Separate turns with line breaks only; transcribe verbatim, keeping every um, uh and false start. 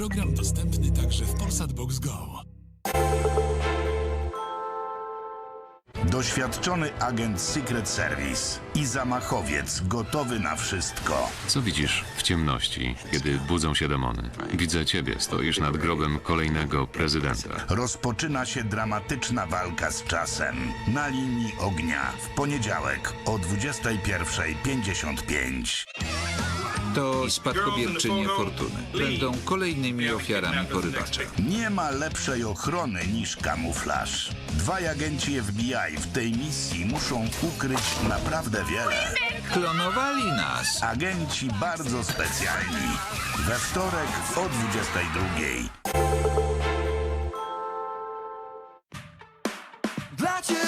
Program dostępny także w Polsat Box Go.
Doświadczony agent Secret Service i zamachowiec gotowy na wszystko.
Co widzisz w ciemności, kiedy budzą się demony? Widzę ciebie, stoisz nad grobem kolejnego prezydenta.
Rozpoczyna się dramatyczna walka z czasem. Na linii ognia w poniedziałek o dwudziestej pierwszej pięćdziesiąt pięć.
To spadkobierczynie fortuny. Będą kolejnymi ofiarami porywacza.
Nie ma lepszej ochrony niż kamuflaż. Dwaj agenci F B I w tej misji muszą ukryć naprawdę wiele.
Klonowali nas.
Agenci bardzo specjalni. We wtorek o dwudziestej drugiej.
Dla ciebie